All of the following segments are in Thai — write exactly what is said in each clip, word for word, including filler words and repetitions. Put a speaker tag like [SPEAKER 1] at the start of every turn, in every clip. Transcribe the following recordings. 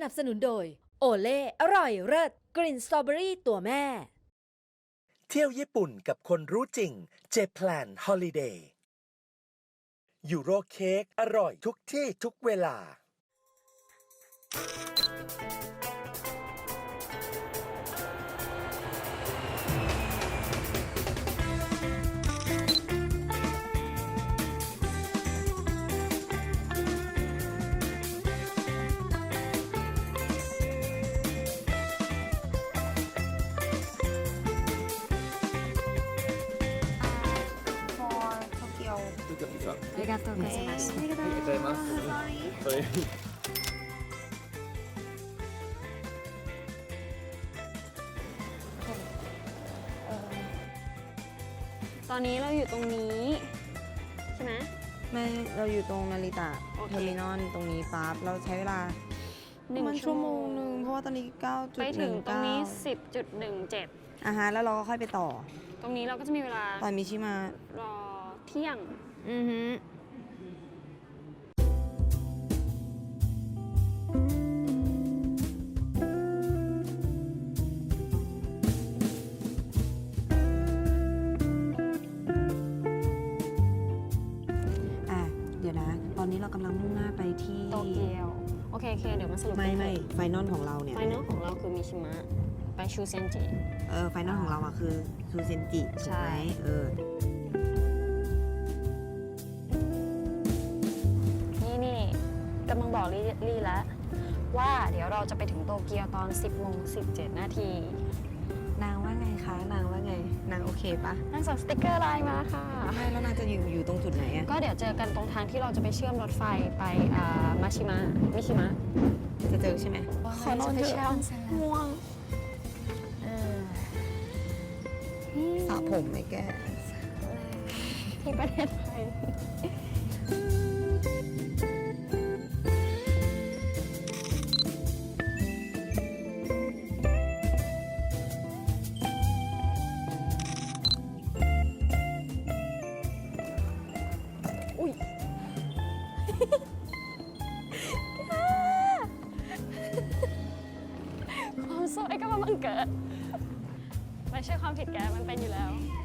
[SPEAKER 1] นับสนุนโดยโอเล่อร่อยเลิศกลิ่นสตรอเบอรี่ตัวแม่
[SPEAKER 2] เที่ยวญี่ปุ่นกับคนรู้จริงเจแพลนฮอลิเดย์ยูโรเค้กอร่อยทุกที่ทุกเวลา
[SPEAKER 3] ありがとうございます。
[SPEAKER 4] ありがとうございます。はい。
[SPEAKER 3] ตอนนี้เราอยู่ตรงนี้ใช่ไหม
[SPEAKER 5] ไม่เราอยู่ตรงนาริตะ
[SPEAKER 3] โอเค
[SPEAKER 5] เทอร์มินอลตรงนี้ปั๊บเราใช้เวลา
[SPEAKER 3] หนึ่ง
[SPEAKER 5] มัน
[SPEAKER 3] ชั่
[SPEAKER 5] ชั่
[SPEAKER 3] ว
[SPEAKER 5] ว
[SPEAKER 3] โม
[SPEAKER 5] โม
[SPEAKER 3] ง
[SPEAKER 5] งหนึ่งเพราะว่าตอนนี้เก้าจุด
[SPEAKER 3] ไป
[SPEAKER 5] ห
[SPEAKER 3] ถึ
[SPEAKER 5] นึ่
[SPEAKER 3] ง
[SPEAKER 5] ง
[SPEAKER 3] ตรง
[SPEAKER 5] เก้า
[SPEAKER 3] นี้ สิบจุดหนึ่งเจ็ด
[SPEAKER 5] อ่ะฮะแล้วเราก็ค่อยไปต่อ
[SPEAKER 3] ตรงนี้เราก็จะมีเวลา
[SPEAKER 5] ตอนมิชิมาร
[SPEAKER 3] อเที่ยง
[SPEAKER 5] อือฮึอ่ะเดี๋ยวนะ ตอนนี้เรากำลังมุ่งหน้าไปที่
[SPEAKER 3] โตเกียวโอเคโอเคเดี๋ยวมาสรุป
[SPEAKER 5] ไม่ไม่ไฟนอลของเราเนี่ย
[SPEAKER 3] ไฟนอลของเราคือมิชิมะไปชูเซนจิ
[SPEAKER 5] เออไฟนอลของเราอ่ะคือซูเซนจิ
[SPEAKER 3] ใช่
[SPEAKER 5] ถูกไหมเออ
[SPEAKER 3] นี่นี่กำลังบอกลี่ลี่แล้วว่าเดี๋ยวเราจะไปถึงโตเกียวตอน สิบโมงสิบเจ็ดนาที
[SPEAKER 5] นางว่าไงคะนางว่าไงนางโอเคปะ
[SPEAKER 3] นางส่งสติ๊กเกอร์ไลน์มาค่ะ
[SPEAKER 5] ไม่แล้วนางจะอยู่อยู่ตรงจุดไหนอะ
[SPEAKER 3] ก็เดี๋ยวเจอกันตรงทางที่เราจะไปเชื่อมรถไฟไปอ่ามาชิมะมิชิมะ
[SPEAKER 5] จะเจอใช่ไหม
[SPEAKER 3] ขอนอนเถอะง่วง
[SPEAKER 5] สระผมไหมแก
[SPEAKER 3] ที่ประเทศไทยอุ้ย ความสวยก็มาบังเกิด ไม่ใช่ความผิดแก มันเป็นอยู่แล้ว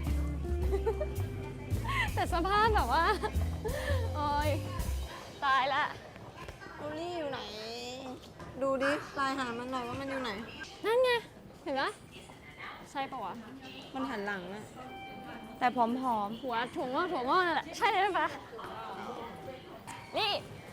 [SPEAKER 3] แต่สภาพแบบว่า โอ้ยตายละ
[SPEAKER 5] ดูนี่อยู่ไหน ดูดิลายหามันหน่อยว่ามันอยู่ไหน
[SPEAKER 3] นั่นไง เห็นปะใช่ปะวะ
[SPEAKER 5] มันหันหลังอะแต่ผอม
[SPEAKER 3] หัวถั่วงอกถั่วงอกนั่นแหละ ใช่เลยปะนี่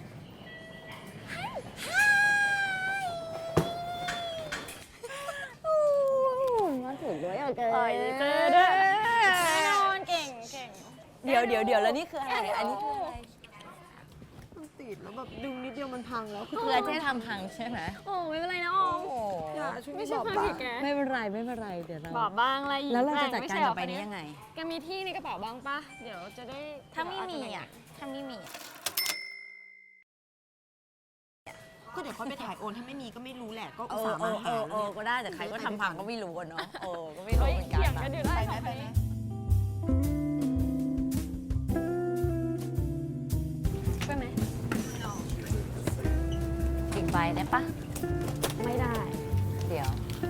[SPEAKER 5] ๆมาถึงด้วยโอเค
[SPEAKER 3] เอ้ยเจอด้วยแน่นอนเก่งเก่ง
[SPEAKER 5] เดี๋ยวเดี๋ยวเดี๋ยวแล้วนี่คืออะไรอันนี้คืออะไรมันติดแล้วแบบดึงนิดเดียวมันพังแล้วคือ
[SPEAKER 6] เพื่อจะทำพังใช่ไหม
[SPEAKER 3] โอ้ไม่เป็นไรนะออม
[SPEAKER 5] อย่าช่วย
[SPEAKER 3] ไม่ใช่
[SPEAKER 5] บอก
[SPEAKER 3] ความ
[SPEAKER 5] บ้า
[SPEAKER 3] ผิดแก
[SPEAKER 6] ไม่เป็นไรไม่เป็นไรเดี๋ยวเรา
[SPEAKER 3] บอกบ้างอะไรอีก
[SPEAKER 6] แล้วเราจะจัด
[SPEAKER 3] ม่
[SPEAKER 6] การ
[SPEAKER 3] ใช่ห
[SPEAKER 6] กับไปนี้ยังไง
[SPEAKER 3] แกมีที่ในกระเป๋าบ้างปะเดี๋ยวจะได้
[SPEAKER 6] ถ้าไม่มีอ่ะถ้าไม่มี
[SPEAKER 5] ก็เดี๋ยวเขาไปถ่ายโอนถ้าไม่มีก็ไม่รู้แหละก็
[SPEAKER 6] เอ
[SPEAKER 5] อุต
[SPEAKER 6] อ
[SPEAKER 5] ส่าห์
[SPEAKER 6] เอ
[SPEAKER 5] มา
[SPEAKER 6] อเอ
[SPEAKER 5] หา
[SPEAKER 6] อ
[SPEAKER 5] แล้ว
[SPEAKER 6] เออ
[SPEAKER 5] เนี่ย
[SPEAKER 6] ก็ได้แต่ใครก็ทำพังก็ไม่รู้อะเนาะเออก็ไม่รู้
[SPEAKER 3] เฮ้ย
[SPEAKER 6] เหมือนกัน
[SPEAKER 3] เถียง
[SPEAKER 6] นะ
[SPEAKER 3] กันอยู่ได้
[SPEAKER 5] ไปไหมไปไหม
[SPEAKER 3] ไปไหม
[SPEAKER 6] อีกใบได้ปะ
[SPEAKER 3] ไม่ได้
[SPEAKER 6] เดี๋ยว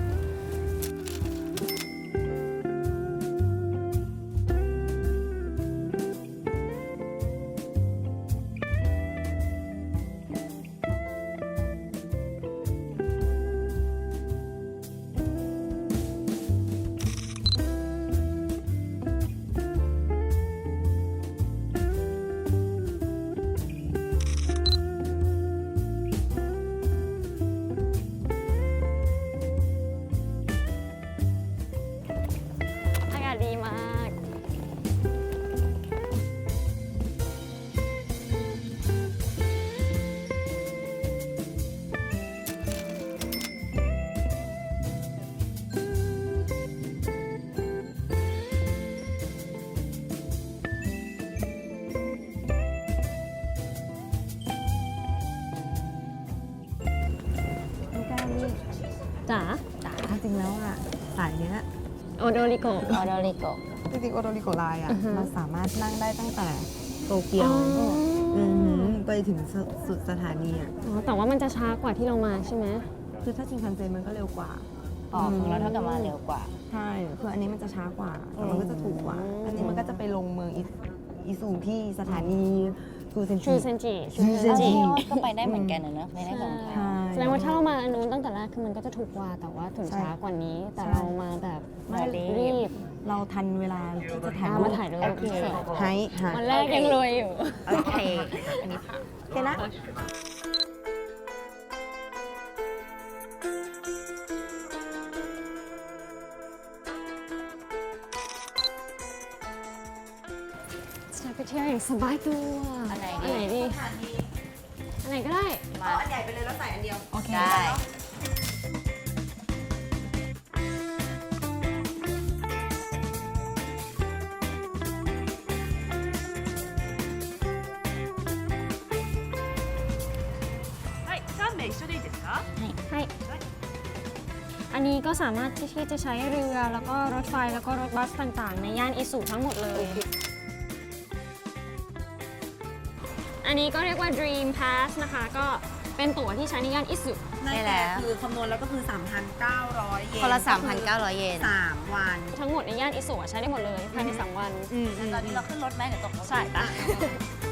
[SPEAKER 6] จ๋าจ๋าจริงแล้วอ่ะสายเนี้ย
[SPEAKER 3] โอโดริโกะ
[SPEAKER 6] ออโดริโกะ
[SPEAKER 5] จริงๆโอโดริโกไลน์อ่ะ
[SPEAKER 3] อือฮึ
[SPEAKER 5] เราสามารถนั่งได้ตั้งแต่โตเกียว
[SPEAKER 3] อ๋อ
[SPEAKER 6] อืมไปถึงสุดสุดสถานีอ่ะ
[SPEAKER 3] อ๋อแต่ว่ามันจะช้ากว่าที่เรามาใช่ไหม
[SPEAKER 6] คือถ้าชินคันเซ็นมันก็เร็วกว่า
[SPEAKER 5] อ๋อของเราเท่ากับมาเร็วกว่า
[SPEAKER 6] ใช่คืออันนี้มันจะช้ากว่าแต่มันก็จะถูกกว่า อันนี้มันก็จะไปลงเมืองอิอิซูที่สถานีฟูเซน
[SPEAKER 3] ชู
[SPEAKER 6] จิ
[SPEAKER 3] เซนจิ
[SPEAKER 6] ชูเซนจิ
[SPEAKER 5] ก็ไปได้เหมือนกันนะเนอะไปได้สองทาง
[SPEAKER 6] ใช่
[SPEAKER 3] แสดงว่าถ้าเรามาอันนู้นตั้งแต่แรกคือมันก็จะถูกกว่าแต่ว่าถึง
[SPEAKER 6] ใช่
[SPEAKER 3] ช้ากว่านี้ แต่
[SPEAKER 6] ใช่
[SPEAKER 3] เรามาแบบ
[SPEAKER 6] ไม่
[SPEAKER 3] รีบ
[SPEAKER 6] เราทันเวลาที่จะถ่าย
[SPEAKER 3] อ่า
[SPEAKER 6] รู
[SPEAKER 3] มา
[SPEAKER 6] ป
[SPEAKER 3] ถ่ายรูป
[SPEAKER 5] โอเค
[SPEAKER 6] ไฮหา
[SPEAKER 3] วันแรกยังรวยอยู่
[SPEAKER 5] โอเค อันนี้ผ่าน
[SPEAKER 6] โอเคนะ
[SPEAKER 3] จะไปเที่ยวอย่างสบายตัว
[SPEAKER 5] อันไหน
[SPEAKER 3] อัน
[SPEAKER 5] ดี
[SPEAKER 3] ไหนดีอันไหนก็ได้
[SPEAKER 5] มา
[SPEAKER 6] อันใหญ่ไปเลยแล้วใส่อันเดียว
[SPEAKER 5] โอเคได้
[SPEAKER 3] ให้อันนี้ก็สามารถที่จะใช้เรือแล้วก็รถไฟแล้วก็รถบัสต่างๆ ในย่านอิสุทั้งหมดเลย อันนี้ก็เรียกว่า Dream Pass นะคะ ก็เป็นตั๋วที่ใช้ในย่านอิสุ
[SPEAKER 5] ได้แล้ว
[SPEAKER 6] คือคำนวณแล้วก็คือ สามพันเก้าร้อย เยน
[SPEAKER 5] คนละ สามพันเก้าร้อย เยน
[SPEAKER 6] สามวัน
[SPEAKER 3] ทั้งหมดในย่านอิสุอะใช้ได้หมดเลยภายในสามวัน
[SPEAKER 6] อืม
[SPEAKER 5] ตอนนี้เราขึ้นรถไหมเดี๋ยวตกรถ
[SPEAKER 3] ใช่ปะ